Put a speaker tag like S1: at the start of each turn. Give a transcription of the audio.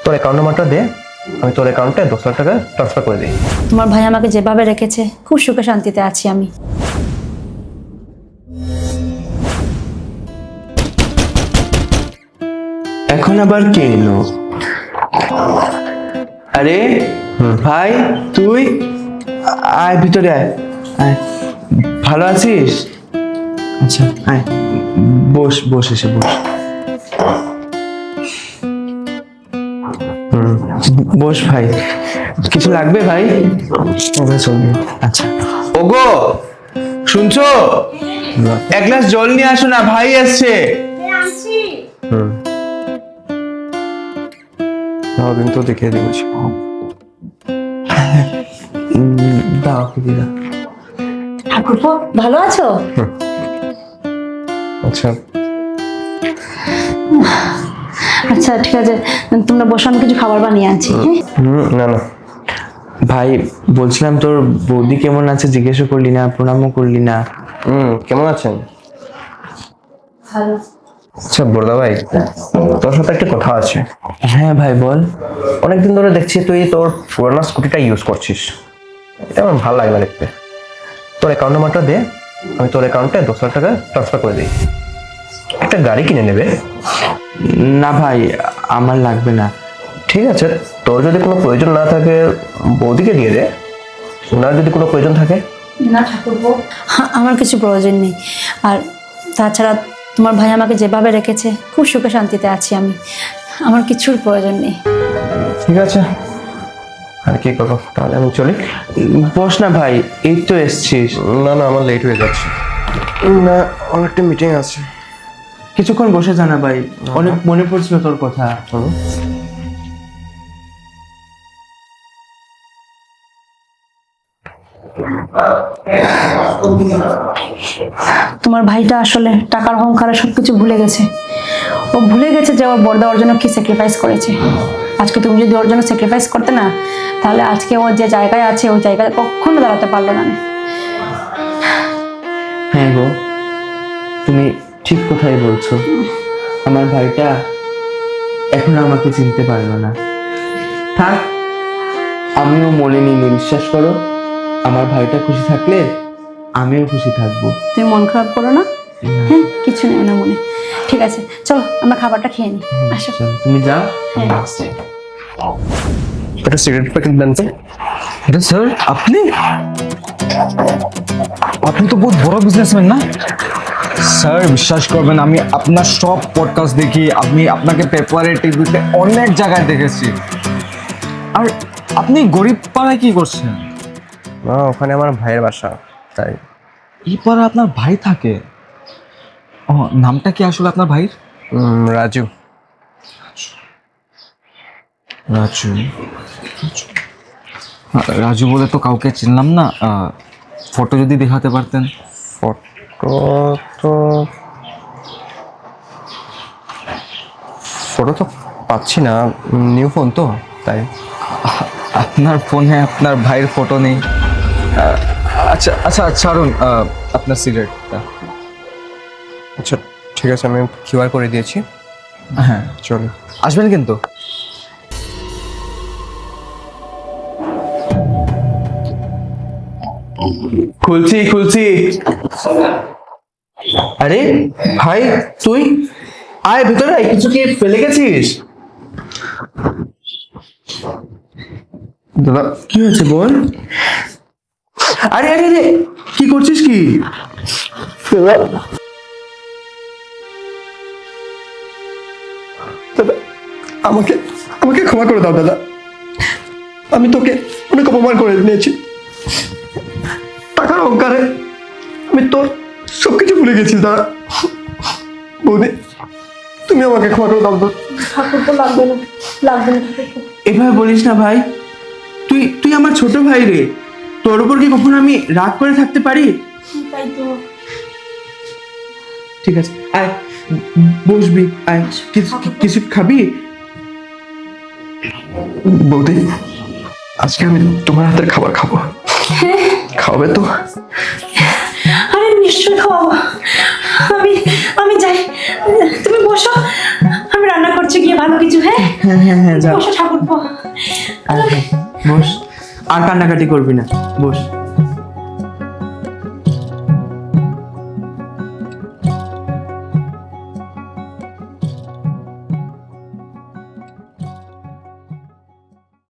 S1: তোর অ্যাকাউন্ট নাম্বারটা দে, আমি তোর অ্যাকাউন্টে 10 লাখ টাকা ট্রান্সফার করে দিই।
S2: তোমার ভাই আমাকে যেভাবে রেখেছে খুব সুখে শান্তিতে আছি আমি।
S3: এখন আবার কে এলো? আরে ভাই, তুই আয়, ভিতরে আয় আয়। ভালো আছিস? আচ্ছা আয়, বস বস, এসে বস। বস ভাই, কিছু লাগবে ভাই? আচ্ছা, ওগো শুনছো? এক গ্লাস জল নিয়ে আসো না, ভাই আসছে।
S1: কিন্তু দেখিয়ে দিবি।
S3: দাও দিদা।
S2: ঠাকুরপো ভালো আছো?
S1: আচ্ছা
S2: আচ্ছা ঠিক আছে, তোমরা বসো, আমি কিছু খাবার বানিয়ে আনছি।
S1: না না
S3: ভাই বলছিলাম, তোর বৌদি কেমন আছে জিজ্ঞেস করলি না, প্রণামও করলি না।
S1: কেমন আছেন?
S2: ভালো।
S1: আচ্ছা বড়দা ভাই, তোর সাথে একটা কথা আছে।
S3: হ্যাঁ ভাই বল।
S1: অনেকদিন ধরে দেখছি তুই তোর পুরোনো স্কুটিটা ইউজ করছিস, এটা আমার ভালো লাগে না দেখতে। তোর অ্যাকাউন্ট নাম্বারটা দে, আমি তোর অ্যাকাউন্টে 10 লাখ টাকা ট্রান্সফার করে দিই। একটা গাড়ি কিনে নেবে।
S3: না ভাই, আমার লাগবে না।
S1: ঠিক আছে, তোর যদি কোনো প্রয়োজন না থাকে বৌদিকে দিয়ে দে, ওনার যদি কোনো প্রয়োজন থাকে।
S2: না ঠাকুরপো, আমার কিছু প্রয়োজন নেই। আর তাছাড়া তোমার ভাই আমাকে যেভাবে রেখেছে খুব সুখে শান্তিতে আছি আমি, আমার কিছুর প্রয়োজন নেই।
S1: ঠিক আছে, আর কি করবো, তাহলে আমি চলি।
S3: বস না ভাই, এই তো এসছিস।
S1: না না, আমার লেট হয়ে যাচ্ছে। না, অনেকটা মিটিং আছে।
S3: কিছুক্ষণ বসে জানা ভাই, অনেক মনে পড়ছিল তোর কথা।
S2: তোমার ভাইটা আসলে টাকার অহংকারে সবকিছু ভুলে গেছে। ও ভুলে গেছে যে ওর বড়দা ওর জন্য কি স্যাক্রিফাইস করেছে। আজকে তুমি যদি ওর জন্য স্যাক্রিফাইস করতে না, তাহলে আজকে ও যে জায়গায় আছে ওই জায়গায় কখনো দাঁড়াতে পারলো না।
S3: হ্যাঁ গো, তুমি ঠিক কথাই বলছো। আমার ভাইটা এখন আমাকে চিনতে পারলো না। থাক, আমিও মলিনি, বিশ্বাস করো। আমার ভাইটা খুশি থাকলে আমিও খুশি থাকবো।
S2: তুমি মন খারাপ করো না। হ্যাঁ, কিছু নেই না মনে। ঠিক আছে, চলো আমরা খাবারটা খেয়ে নিই। আসো।
S3: চল, তুমি যাও।
S2: হ্যাঁ।
S1: একটা সিগারেট প্যাকেট দেন তো।
S4: এটা স্যার আপনি আপনি তো বহুত বড় বিজনেসম্যান না স্যার? বিশ্বাস করবেন, আমি আপনার সব পডকাস্ট দেখি, আমি আপনাকে পেপারে টিভিতে অনেক জায়গায় দেখেছি। আর আপনি গরিব পাড়ায় কি করছেন?
S1: না, ওখানে আমার ভাইয়ের বাসা, তাই।
S4: এই পাড়া আপনার ভাই থাকে? ও, নামটা কি আসলে আপনার ভাইয়ের?
S1: রাজু।
S4: রাজু। রাজু বলে তো কাউকে চিনলাম না। ফটো যদি দেখাতে পারতেন।
S1: ফটো তো ফটো তো পাচ্ছি না, নিউ ফোন তো, তাই।
S4: আপনার ফোনে আপনার ভাইয়ের ফটো নেই? আচ্ছা আচ্ছা ছাড়ুন, আপনার সিগারেটটা।
S1: আচ্ছা ঠিক আছে, আমি কিউআর করে দিয়েছি।
S4: হ্যাঁ,
S1: চলো।
S4: আসবেন কিন্তু।
S3: খুলছি খুলছি। আরে ভাই, তুই আয় ভিতরে আয়, কিছু কি ফেলে গেছিস?
S1: দাদা,
S3: কি হয়েছে বল। আরে আরে আরে, কি করছিস কি?
S1: দাদা, আমাকে আমাকে ক্ষমা করে দাও দাদা, আমি তোকে অনেক অপমান করে নিয়েছি। টাকার অহংকারে আমি তোর সবকিছু ভুলে গেছি দাদা। বৌদি, তুমি আমাকে ক্ষমা করে দাও তো।
S2: ঠাকুরপো লাগবে না, লাগবে না ঠাকুরপো।
S3: এভাবে বলিস না ভাই, তুই তুই আমার ছোট ভাই রে। তোর উপর কি কখনো আমি রাগ করে থাকতে পারি?
S2: তাই তো।
S3: ঠিক আছে, আয় বসবি, আয়। কিছু খাবি?
S1: বৌদি, আজকে আমি তোমার হাতের খাবার খাবো, খাওয়াবে তো?
S2: আরে নিশ্চয়ই খাওয়াবো। আমি আমি যাই, তুমি বসো, আমি রান্না করছি গিয়ে ভালো কিছু। হ্যাঁ
S3: হ্যাঁ হ্যাঁ হ্যাঁ যা
S2: বসো ঠাকুর।
S3: বস, আর কান্নাকাটি করবি না, বস।